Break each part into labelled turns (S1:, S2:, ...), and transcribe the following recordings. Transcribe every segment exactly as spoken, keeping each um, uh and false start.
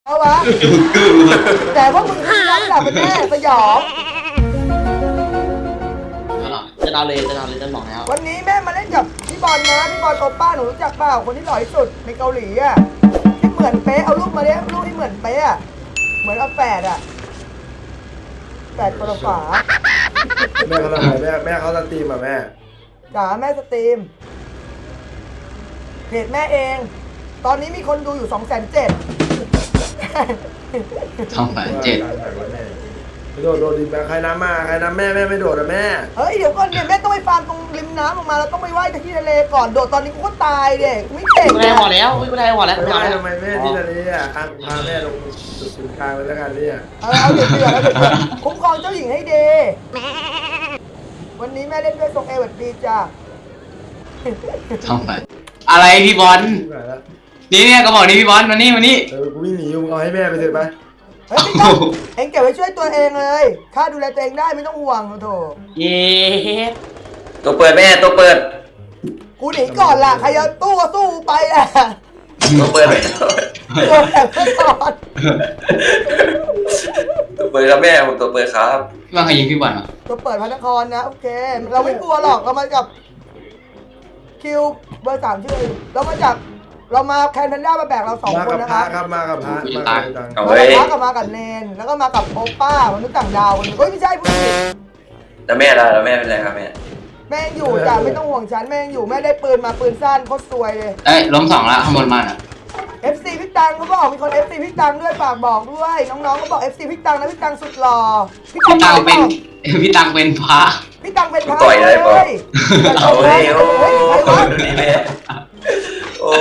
S1: เอาวะแต่พวกมึงทำร้ายหลับกันแน่สยอง
S2: จะนอนเลยจะนอนเลยจะบอกแล้ว
S1: วันนี้แม่มาเล่นกับพี่บอลนะพี่บอลโอป้าหนูรู้จักเปล่าคนที่หล่อที่สุดในเกาหลีอ่ะที่เหมือนเป๊ะเอารูปมาเนี้ยรูปที่เหมือนเป๊ะเหมือนเอาแปดอ่ะแปดคนละฝา
S3: แม่เขาทำไงแม่แม่เขาสตรีมอ่ะแม่
S1: จ๋าแม่สตรีมเพจแม่เองตอนนี้มีคนดูอยู่สองแสนเจ็ด
S4: สองแสนเจ็ด
S3: โดดโดดดิแม่ใครน้ำมาใครน้ำแม่แม่ไม่โดดนะแม่
S1: เฮ้ยเดี๋ยวก่อนเนี่ยแม่ต้องไปฟาร์มตรงริมน้ำออกมาแล้วต้องไปว่ายที่ทะเลก่อนโดดตอนนี้กูก็ตายเด็กไม่เก่ง
S2: กูได้หัวแล้วกูได้หัวแล้ว
S3: ไม่ได้ทำไมแม่ที่ทะเลอ่ะพาแม่ลงจุดศูนย์กลางไปแล้วกันเนี่ย
S1: เออเอาเดือดเดือดแล้วเดือดคุ้มครองเจ้าหญิงให้ดีวันนี้แม่เล่นด้วยทรงเอวัดดีจ้า
S4: ทำไมอะไรพี่บอลนี่เนี่ยก็บอกนี่พี่บอลมานี่มานี่
S3: เออกูวิ่งหนีมึงเอาให้แม่ไปเถอะไป
S1: เฮ้ยไม่ต้องเอ็งเก็บไว้ช่วยตัวเองเลยข้าดูแลตัวเองได้ไม่ต้องห่วงโถ
S2: เย้
S5: ตัวเปิดแม่ตัวเปิด
S1: กูหนีก่อนล่ะใครจะตู้ก็สู้ไปอ่ะ
S5: ตัวเปิด
S1: ตัวแบบเพื่อนก่อน
S5: ตัวเปิดครับแม่ผมตัวเปิดครับ
S4: ว่าใครยิงพี่บอลอ่ะ
S1: ตัวเปิดพระนครนะโอเคเราไม่กลัวหรอกเรามากับคิวเบอร์สามชื่อเรามาจากเรามาแคนแพนด้ามาแบกเราสองคนนะครับ
S3: ครับมากับพระมา
S1: กับพระกับมากับเนนแล้วก็มากับโอป้ามนุษย์ต่างดาวคนนึงเฮ้ยไม่ใช่ผู้หญิง
S5: แล้วแม่ล่ะแล้วแม่เป็นไรครับแม่
S1: แม่อยู่จ้ะไม่ต้องห่วงฉันแม่อยู่แม่ได้ปืนมาปืนสั้นโคตรสวยเลย
S4: เอ้ยล้มสองละข้างบนมาอ่ะ
S1: เอฟ ซี พี่ตังเขาบอกมีคน เอฟ ซี พี่ตังด้วยฝากบอกด้วยน้องๆเขาบอก เอฟ ซี พี่ตังนะพี่ตังสุดหล่อ
S4: พี่ตังเป็นพี่ตังเป็นพระ
S1: พี่ตังเป็นพระ
S5: ต่อยได้ปะเอาเฮ้ยโอ้นี่แม่โอ้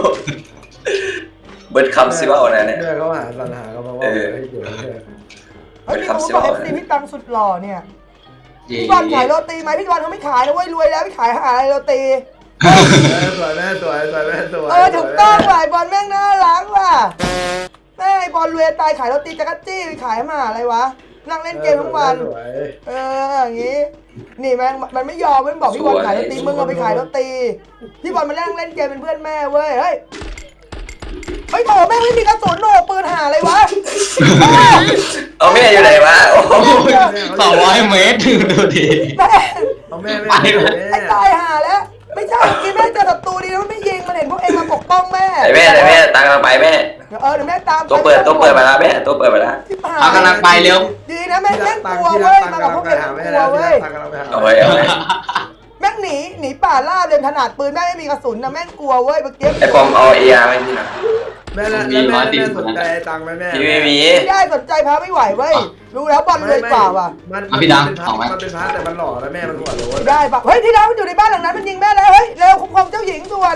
S5: เบิร์ดคำสิว่าอะไรเนี่ย
S3: แม่เขาหาสัญหาเขามาว่าให้เกี่ยว
S1: เฮ้ยพี่เขาบอก เอฟ ซี พี่ตังสุดหล่อเนี่ยพี่บอลขายโรตีไหมพี่บอลเขาไม่ขายนะเว้ยรวยแล้วไม่ขายหาอะไรโรตี
S3: สวยแม่สวยสวยแม่สวย
S1: เออถูกต้องว่ะบอลแม่งน่ารักว่ะแม่บอลรวยตายขายโรตีจักรจี้ไปขายมาอะไรวะนั่งเล่นเกมทั้งวันเอออย่างงี้นี่แม่งมันไม่ยอมมันบอกพี่บอลขายโรตีมึงเอาไปขายโรตีพี่บอลมาเล่นเล่นเกมเป็นเพื่อนแม่เว้ยเฮ้ยไม่โถแม่ไม่มีกระสุนโหนปืนหาอะไรวะ
S5: เอาแม่อยู่ไหนวะ
S4: สองร้อยเมตรดูดิ
S1: แม่
S3: เอาแม่ไม่
S1: ไอ้ตายหาแล้วไม่ใช่กินแม่เจอศัตรูดีแล้วไม่ยิงมันเห็นพวกเองมาปกป้องแม่
S5: ไอ้แม่ไอ้แม่ตามมาไปแม่
S1: เออเดี๋ยวแม่ตาม
S5: ตัวเปิดตัวเปิดมาแล้วแม่ตัวเปิดมาแล้ว
S4: เอากำลังไปเร็ว
S1: ดีนะแม่แม่กลัวเว้ยมากับพวกเองกลัวเว้ย
S5: เอาไว้เอาไว้
S1: แม่งหนีหนีป่าล่าเดินขนาดปืนแม่ไม่มีกระสุนนะแม่งกลัวเว้ยเมื่อกี้
S5: ไอ้ปอมเอาเออาร์ไม่พี่นะ
S3: แม่แม่แม่สนใจตังค์ไหมแม่
S5: พี่ไม่มี
S1: ไม่ได้สนใจพาไม่ไหวเว้ยรู้แล้วบอลรวยกว่าว่ะ
S3: มันมันเป็นพระมันเป็นพระแต่มันหล่อแล้วแม่มันหัวโล้น
S1: ได้ปะเฮ้ยที่เราอยู่ในบ้านหลังนั้นมันยิงแม่แล้วเฮ้ยเร็วคุ้มครองเจ้าหญิงด่วน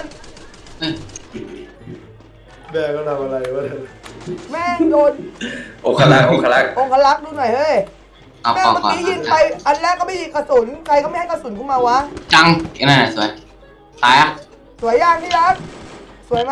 S3: แม่ก็ทำอะไรวะ
S1: แม่งโดน
S5: องคลักษ์องคลักษ์
S1: องคลักษ์ดูหน่อยเฮ้ยแม่เมื่อกี้ยิงไปอันแรกก็ไม่ยิงกระสุนใครก็ไม่ให้กระสุนกูมาวะ
S4: จังไอ้นั่นสวยตายอ่ะ
S1: สวยยังที่รักสวยไหม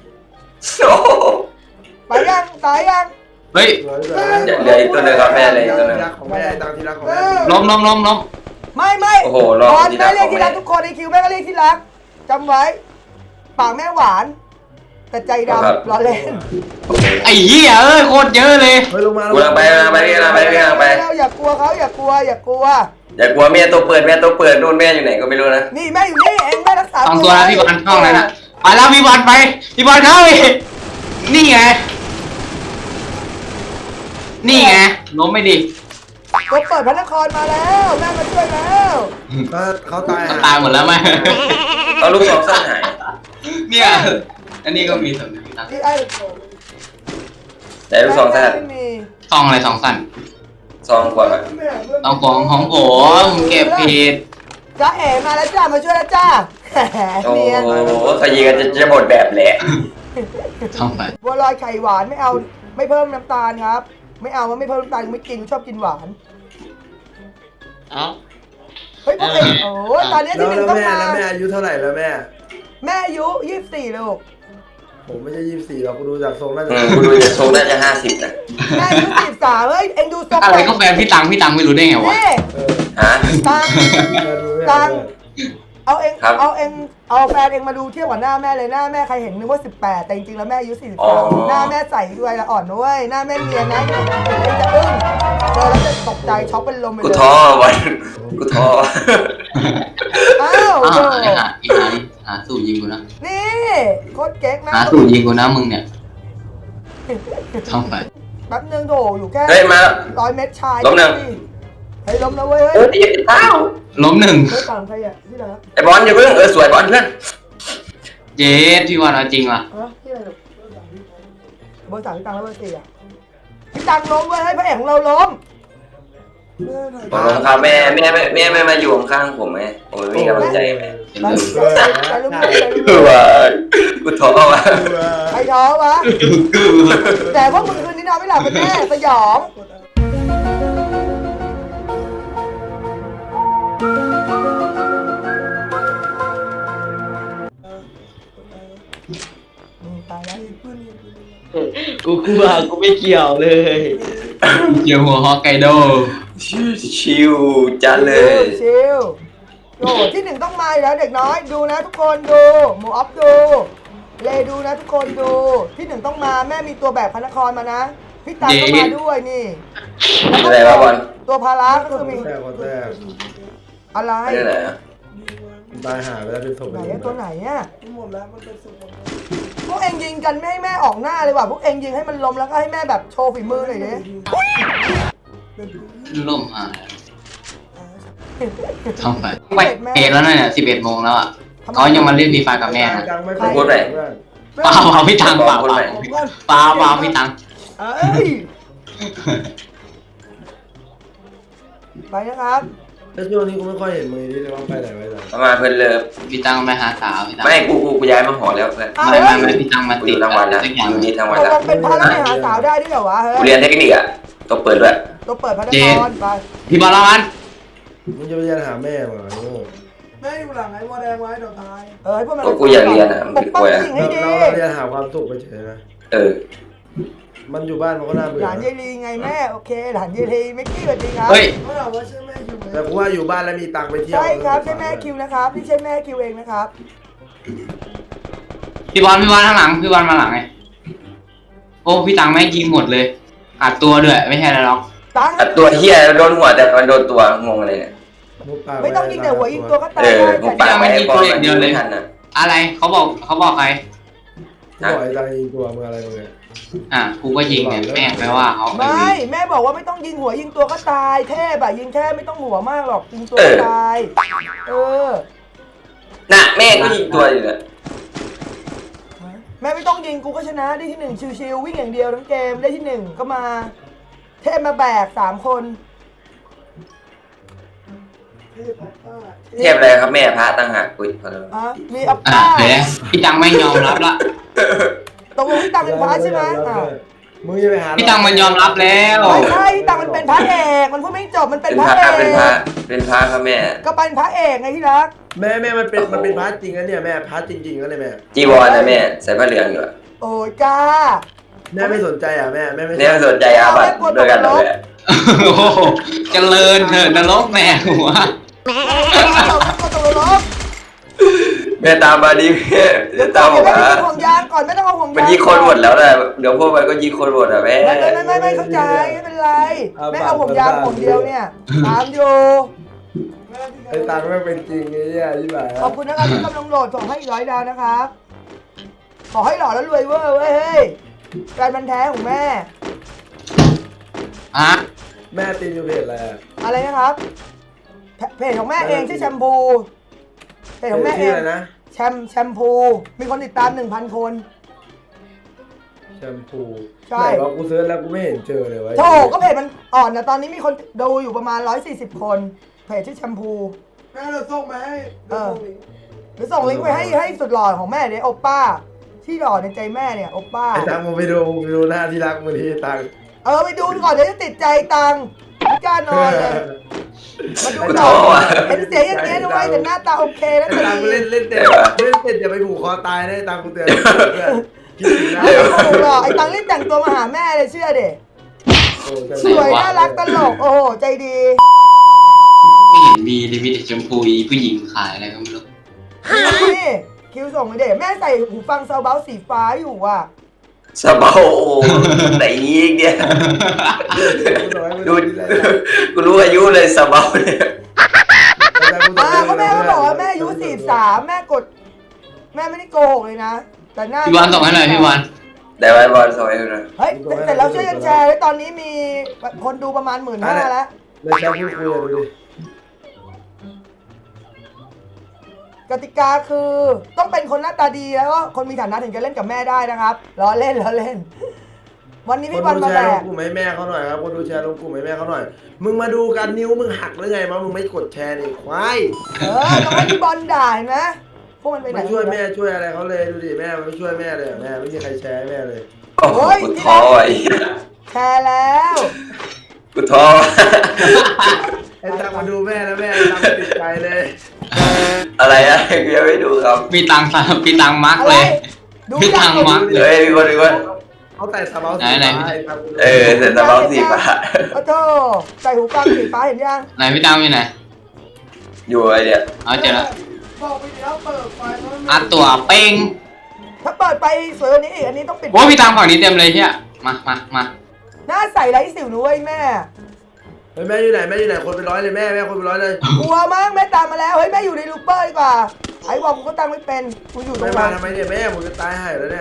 S1: ไปยังตายยัง
S4: เฮ้ย
S5: เหลืออีกตัวนึงครับแม่เลยตัวนึง
S3: ของแม่ตังที่รักของแม่
S4: ล้มล้มล้มล้ม
S1: ไม่ไม่
S5: โอ้โห
S1: ตอนแม่เรียกที่รักทุกคนในคิวแม่ก็เรียกที่รักจำไว้ปากแม่หวานแต่ใจดำรอเล่น
S4: ไอ้เหี้ยเอ้ยโคตรเยอะเลย
S3: เฮ้ยลงมาล
S5: งไปลงไปลงไปลงไป
S1: อย่ากลัวเขาอย่ากลัวอย่ากลัว
S5: อย่ากลัวแม่ตัวเปิดแม่ตัวเปิดนู่นแม่อยู่ไหนก็ไม่รู้นะ
S1: นี่แม่อยู่นี่เองแม่รักษา
S4: สองตัวแล้วพี่บอลเข้าแล้วนะไปแล้วพี่บอลไปพี่บอลเข้าอีกนี่ไงนี่ไงล้มไม่ดี
S1: ก็เปิดพระนครมาแล้วแม่มาช่วยแล้ว
S3: ก็เขาตาย
S4: ตายหมดแล้วไหม
S5: เอาลูกสองสั้นหาย
S4: เนี่ยอันนี้ก็มีสำนึกนะ
S5: แต่ลูกสองสั้น
S4: ซองอะไรสองสั้น
S5: ซองกว่า
S4: ซองของของผมเก็บผิด
S1: จ้าเอ๋มาแล้วจ้ามาช่วยแล้วจ้า
S5: โอ้โหขยี้กันจะจะหมดแบบแหละ
S4: ทำไม
S1: บัวลอยไข่หวานไม่เอาไม่เพิ่มน้ำตาลครับไม่เอาว่าไม่เพิ่มน้ำตาลไม่กินชอบกินหวาน
S2: เอ้า
S1: เฮ้ยพวกเองโอ้ตอนนี้ที่หนึ่งต้องมา
S3: แล้วแม่อายุเท่าไหร่แล้วแม่
S1: แม่อายุยี่สิบสี่ลูก
S3: ผมไม่ใช่ยี่สิบสี่หรอกกูดูจากทรงน่าจะ
S5: กูดูจากทรงน่าจะห้าสิบนะ
S1: แม่อายุสี่สิบสามเฮ้ยเอ็งดูทรง
S4: อะไรก็แฟนพี่ตังพี่ตังไม่รู้ได้ไงวะ
S5: ฮะ
S1: ตังตังเอาเอง
S5: ครับ
S1: เอาเองเอาแฟนเองมาดูเทียบกับหน้าแม่เลยหน้าแม่ใครเห็นนึกว่าสิบแปดแต่จริงๆแล้วแม่อายุสี่สิบ
S5: อ๋อ
S1: สามหน้าแม่ใสด้วยละอ่อนด้วยหน้าแม่เนียนนะเองจะอึ้งเจอแล้วจะตกใจช็อกเป็นลมไป
S5: กู
S1: เลย
S5: ท้อวันกูท้อ
S1: อ้าว
S4: อ้า
S1: โธ่
S4: วไอ้หาไอ้หาหาสูตรยิงกูนะ
S1: นี่โคตรเก๊กนะ
S4: หาสูตรยิงกูนะมึงเนี่ยทำไป
S1: แป๊บนึงโถอยู่แค่
S5: เฮ้ยมา
S1: ร้อยเมตรชาย
S5: ล้มหนึ่ง
S1: เฮ้ยล้มแล้วเว้ย
S5: โอ้
S1: เฮ้ย
S5: ยเต้า
S4: ล้มหนึ่ง
S1: เฮ้ยต่างใครอ่ะที่ไหนครับ
S5: ไอ้บอลอย่าเพิ่งเออสวยบอลเพื่อน
S4: เจ๊พี่วันเอาจริงว่ะ
S1: ฮะที่ไหนลูกเบอร์สามพี่ตังแล้วเบอร์สี่อ่ะพี่ตังล้มเว้ยให้พระเอกของเราล้ม
S5: ผมลงครับแม่แม่แม่แม่ไม่มาอยู่ข้างๆผมไงผมไม่มีกำลังใจแม่
S4: เป็น
S1: ไป
S4: เรื่อง
S1: ไปลุ้มไปลุ้ม
S5: เออว่ะกูท้อว่ะ
S1: ใครท้อวะ
S4: กู
S1: แต่พวกมึงคืนนี้นอนไม่หลับเป็นแน่สยองอืมตายแล้ว
S2: กูกลัวกูไม่เกี่ยวเลย
S4: เจียวหัวฮอกไกโด
S5: ชิวจัดเลย
S1: ชิลโอ้ที่หนึ่งต้องมาอยู่แล้วเด็กน้อยดูนะทุกคนดูหมูออฟดูเลดูนะทุกคนดูที่หนึ่งต้องมาแม่มีตัวแบบพระนครมานะพี่ตาก็มาด้วยนี่
S5: อะไรวะบอล
S1: ตัวพาราก็คือมี
S3: แทรกคนแทรก
S1: อะไร
S5: ไม่ได้ไหนอะ
S3: ตายหาไปแล้วเป็นศพ
S1: ไหนอะตัวไหนอะพวกเองยิงกันไม่ให้แม่ออกหน้าเลยว่ะพวกเองยิงให้มันล้มแล้วก็ให้แม่แบบโชว์ฝีมือหน่อยดิ
S4: ล่มหายทำไปไปเอ็ดแล้วเนี่ยสิบเอ็ดโมงแล้วอ่ะเขายังมาเล่นฟรีไฟกับแม่นะ
S3: จังไม่
S5: พูดไป
S3: เพื่อน
S4: เปล่าเปล่าพี่ตังเปล่าเปล่าเปล่าเปล่าพี่ตัง
S1: เอ้ยไปนะครับ
S3: แล้วช่วงนี้กูไม่ค่อยเห็นมือนี่เลยว่าไปไหนไปไหน
S5: ประมาณเพื่อนเลิฟ
S4: พี่ตังไปหาสาวพี่ตัง
S5: ไม่กูกูกูย้ายมาหอแล้วเพื่อน
S4: ไม่ไม่ไม่พี่ตังมา
S5: กูอ
S4: ติด
S5: ยู่ทั้งวันแล้ว
S4: สักอย่าง
S5: อยู่นี่ทั้งวัน
S1: ตก
S5: แล้ว
S1: ลงเป็นพระแล้วไม่หาสาวได้ด้วยเหรอวะเฮ้
S5: กู
S1: ย
S5: เรียนเทคนิคอะต้องเปิดด้วย
S1: ตัวเปิดพระนครไป
S4: พี่บอลละมัน
S3: มึงจะไปเรียนหาแม่มาโง่
S1: แม่อยู่หลังไอ้วอแดงไว้เดี๋ยวตายเออให้พวกมัน
S5: ก็กูอยากเรียนอะมัน
S1: ป
S5: เป็
S1: ก
S5: น
S1: ป้
S5: ก
S1: อง
S5: ล้วยอะ
S1: สิ่งให้ดี
S3: เราเราเรียนหาความสุขไปเฉยนะ
S5: เออ
S3: มันอยู่บ้านมันก็น่าเบื่
S1: ห
S3: อ
S1: ลานยายลีไงแม่โอเคหลานยายลีไม่กี้สวัสดีครับ
S4: เฮ้ย
S3: แต่กูว่าอยู่บ้านแล้วมีตังค์ไปเที่ยว
S1: ใช่ครับใช่แม่คิวนะครับพี่ใช่แม่คิวเองนะครับ
S4: พี่บอลพี่บอลข้างหลังพี่บอลมาหลังไงโอ้พี่ตังแม่งยิงหมดเลยอัดตัวด้วยไม่ใช่อะไรหรอก
S1: ตังค์
S5: อ่ะตัวเฮียโดนหัวแต่มันโดนตัวงงอะไรเนี่ย
S1: ไม่ต้องยิงแต่หัวยิงตัวก็ตา
S5: เอย อ
S1: ได้
S5: ผมปากไปไอ้บอลมันยิงไม่ทันอะ
S4: อะไรเขาบอกเขาบอกใคร
S3: กูบอกไอ้ตังค์ยิงตัวมึงอะไรมึงเนี่ย
S4: อ่ะกูก็ยิงเนี่ยแม่งแปลว่าเขา
S1: ไม่แม่บอกว่าไม่ต้องยิงหัวยิงตัวก็ตายเทพอะยิงแค่ไม่ต้องหัวมากหรอกยิงตัวก็ตายเออ
S5: น่ะแม่ก็ยิงตัวอยู่เนี่ย
S1: แม่ไม่ต้องยิงกูก็ชนะได้ที่หนึ่งชิวๆวิ่งอย่างเดียวทั้งเกมได้ที่หนึ่งก็มา เทพมาแบกสามคน
S5: เทียบอะไรครับแม่พระตั้งหากอุ้ยพอแล้ว
S1: อ่ะมีอัป
S4: อ่ะ
S1: ป้า
S4: เห็นไหมพี่ตังไม่ยอมรับละ
S1: ตกลงพี่ตังเป็นพระใช่ไหมอ่ะ
S3: มึงจะไปหา
S4: พี่ตังมันยอมรับแล้ว
S1: ไม่ใช่พี่ตังมันเป็นพระเอกมันพูดไม่จบมันเป็น
S5: เป็น
S1: พ
S5: พ
S1: ระ
S5: ระ
S1: เอ
S5: เป็นพระ
S1: ก
S5: เป็นพระครับแม่
S1: ก็เป็นพระเอกไงที่รัก
S3: แม่แม่มันเป็นมันเป็นพาร์ทจริงนะเนี่ยแม่พาร์ทจริงๆก็เลยแม่
S5: จีวรนะแม่ใส่ผ้าเหลืองอยู่อะ
S1: โอ้ยจ้า
S3: แม่ไม่สนใจอ่ะแม่แม่ไม่
S5: เนี่ยสนใจอาบัตด้วยกันเหรอแม่
S4: โอ้โหเจริญเถิดนรกแม่หัว
S1: เราไม่ต้องตกลง
S5: แม่ตามมาดิแม่
S1: เดี๋ยว
S5: ตาม
S1: ก่อน
S5: มา
S1: เดี๋ยวไม่ต้องห่วงยางก่อนไม่ต้องเอาห่วงยาง
S5: มันยิงคนหมดแล้วนะเดี๋ยวพวกมันก็ยิงคนหมดอ่ะแม่
S1: ไม่ไม่ไม่ไม่เข้าใจไม่เป็นไรไม่เอาห่วงยางห่วงเดียวเนี่ยตามอยู่
S3: ไอ้ตังค์ไม่เป็นจริงไอ้เนี่ยยี่บ่าย
S1: ขอบคุณนะครับที่กำลังโหลดส่งให้อีกร้อยดาวนะครับ ขอให้หล่อแล้วรวยเวอร์เว้ยเฮ้ยแฟนมันธุ์แท้ของแม่
S4: ฮะ
S3: แม่ตีนอยู่เพจอะไรอะ
S1: อะไรนะครับเพเพจของแม่เองชื่อแชมพูเพจของแม่เอ
S3: ชื่อง อะไรนะ
S1: แชมแชมพูมีคนติดตามหนึ่งพันคน
S3: แชมพู
S1: ใช่
S3: ไหนว่ากูเซิร์ชแล้วกูไม่เห็นเจอเลยวะ
S1: โถก็เพจมันอ่อนนะตอนนี้มีคนดูอยู่ประมาณร้อยสี่สิบคนเพจชื่อแชมพู
S6: แม่เราส่งมาให้
S1: เออหรือส่งลิงก์ไปให้ให้สุดหล่อของแม่เนี่ยโอป้า ที่หล่อในใจแม่เนี่ยโอป้า
S3: ไอ้ตังค์มึงไปดูมึงไปดูหน้าที่รักมึงที่ตังค์
S1: เออไปดูก่อนเดี๋ยวจะติดใจตังค์ไม่กล้านอนเลยมาดู
S5: กู
S1: ก่
S5: ท้
S1: อ
S5: อน ว่ะ
S1: เห็นเสียงอย่างเงี้ยด้วยแต่หน้าตาโอเคนะ
S3: ไอ้ตังค์
S1: ดี
S3: เล่นเล่นเต็มเล่นเต็มอย่าไปผูกคอตายนะไอ้ตังค์กูเตือนเพื่อนคิดถึงนะ
S1: ไม่ถูกหรอกไอ้ตังค์รีบแต่งตัวมาหาแม่เลยเชื่อเด็
S3: โอ้ใช่
S1: สวยน่ารักตลกโอ้โหใจดี
S4: ไม่เห็นมีเลยมีแต่ชมพูอีผู้หญิงขายอะไรก็ไม่รู้
S1: นี่คิวส่งเลยเด็แม่ใส่หูฟังซาวเบาสีฟ้าอยู่อ่ะ
S5: สะเบาโอ้ไหนอีกเนี่ยดูกูรู้อายุเลยสะเบาเนี่ย
S1: อ่าก็แม่ก็บอกว่าแม่อายุสี่สามแม่กด แม่ไม่ได้โกหกเลยนะแต่หน้า
S4: พี่วันส่งให้หน่อยพี่วัน
S5: ได้ไว้บอลสวยดูนะ
S1: เฮ้ยแต่เราช่วยกันแชร์ไว้ตอนนี้มีคนดูประมาณหมื่นห้าแล้ว
S3: เลยแชร์พูดคุยดูดิ
S1: กติกาคือต้องเป็นคนหน้าตาดีแล้วก็คนมีฐานะถึงจะเล่นกับแม่ได้นะครับล้อเล่นล้อเล่น วันนี้
S3: คน
S1: พี่บอล
S3: ดู
S1: มา
S3: แช
S1: แบ
S3: ร์ลง
S1: ก
S3: กลุ่มให้แม่เขาหน่อยครับคนดูแชร์ลงกลุ่มให้แม่เขาหน่อยมึงมาดูกันนิ้วมึงหักหรือไงมามึงไม่กดแชร์นี่ควาย
S1: เออต้องให้พี่บอลด่าเห็นไหมพวกมันไปไหน
S3: ไม่ช่วยแม่ช่วยอะไรเขาเลยดูดิแม่ไม่ช่วยแม่เลยแม่ไม่มีใครแชร์ให้แม่เลย
S5: โอ้โหกูท้อไอ้
S1: แชร์แล้ว
S5: กูท้อ
S3: ไอ้ตังมาดูแม่แล้วแม่ตังติดใจเลย
S5: อะไรอะกูยังไม่ดูครับ
S4: พี่ตังพี่ตังมาร์ก
S1: อะไร
S4: เลย
S1: ดู
S4: พี่ตังมาร์กเล
S5: เฮ้
S4: ย
S5: ยมีคนมีคน
S3: เขาแต่สะเบาสี
S4: ไหน
S3: ฟ้า
S4: ไหน
S3: ไอ้ตัง
S5: เออแต่สะเบาสีฟ้า
S1: โอ้โธ่ใส่หูฟังสีฟ้าเห็นยัง
S4: ไหนพี่ตังอยู่ไหน
S5: อยู่ไอเนี่ย
S4: เอาเจอแล้ว
S1: บอกไปแล้วเปิดไฟแล้ว
S4: อัดตัวเป้ง
S1: ถ้าเปิดไปสวยกว่านี้อีกอันนี้ต้องปิด
S4: โอ้พี่ตังฝั่งนี้เต็มเลยเฮียมามามา
S1: หน้าใสไร้สิวนุ้ยแม่
S3: เฮ้ยแม่อยู่ไหนแม่อยู่ไหนคนเป็นร้อยเลยแม่แม่คนเป็นร้อยเลย
S1: กลัวมั้งแม่ตามมาแล้วเฮ้ยแม่อยู่ในลูปเปอร์ดีกว่าไอ้บอกกูก็ตั้งไม่เป็นกูอยู่ตร
S3: ไม่
S1: ง
S3: มา
S1: นั้น
S3: ทำไมเนี่ยแม่ผมจะตายหายแล้วเนี่ย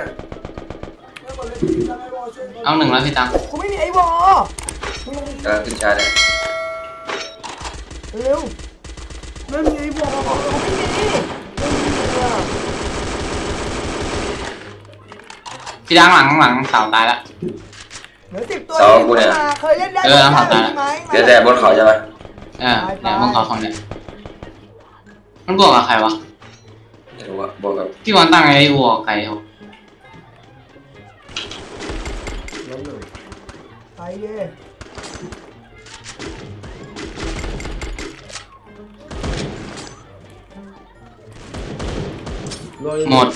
S4: เอาหนึ่งแล้วพี่ตัง
S1: กูไม่มีไอ้วอก
S5: ำลังขึ้นชาร์จเนี่ย
S1: เร็วไม่มีไอ้วอกูไม่มีไม่มีอะ
S4: พี่ตังหลังหลังเสาตายแล้ว
S1: เหลือสิบตัวที่มาเคยเล่นได้
S4: เออเอาตาย
S1: ไหม
S5: เดี๋ยวแต่บนเขาใช่ไหม
S4: เออเนี่ยพวกเขาฝั่งเนี้ยมันบวกกับใครวะ
S5: ไม่รู้อะบอกกับ
S4: พี่วันตั้งไอ้วัวไก่เหรอ
S3: ล้มหนึ่ง
S1: ไปเย่
S4: หมด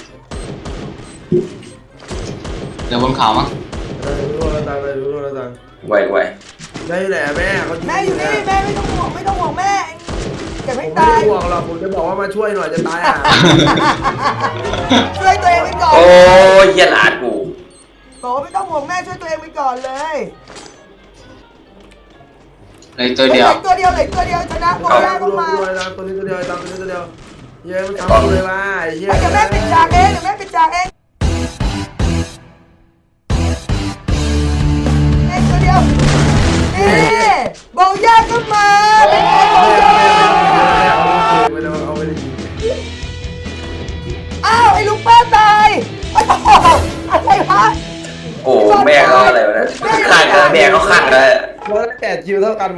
S4: เดี๋ยวบนเขามั้ง
S3: เออรู้แล้วตังเลยรู้แล้วตัง
S5: ไวไว
S3: แม่อยู่ไหนแม่เขา
S1: แม่อยู่นี่แม่ไม่ต้องห่วงไม่ต้องห่วงแม่เก็บ
S3: ผ
S1: ให้
S3: มไม่
S1: ตาย
S3: ได้ห่วงหรอกผมจะบอกว่ามาช่วยหน่อยจะตายอ่ะ
S1: ช่วยตัวเองไปก่อน
S5: โอ้ยเหี้ยหลานกู
S1: บอกว่าไม่ต้องห่วงแม่ช่วยตัวเองไปก่อนเลย
S4: เลยตัวเดียว
S1: หลือตัวเดียวเหลือตัวเดียวชนะโกย่าก็มา
S3: ตัวตังตัวนี้ตัวเดียวตังตัวนี้ตัวเดียวเย้มันทำเลยว่าไอ้เหี้ย
S1: เดี๋ยวแม่ปิดฉากเองเดี๋ยวแม่ปิดฉากเองเองตัวเดียวนี่โกย่าก็มาเป็นไงโกย่า
S3: ไม่ได้เอาไม่ได้ยิง
S1: อ้าวไอ้ลูกป้าตายไอ้โอ้โหอะไรวะ
S5: โอ้แม่เขาอะไรวะเนี่ยข้างกันแม่เขาข้างเลย
S3: เพราะแต่คิวเท่ากัน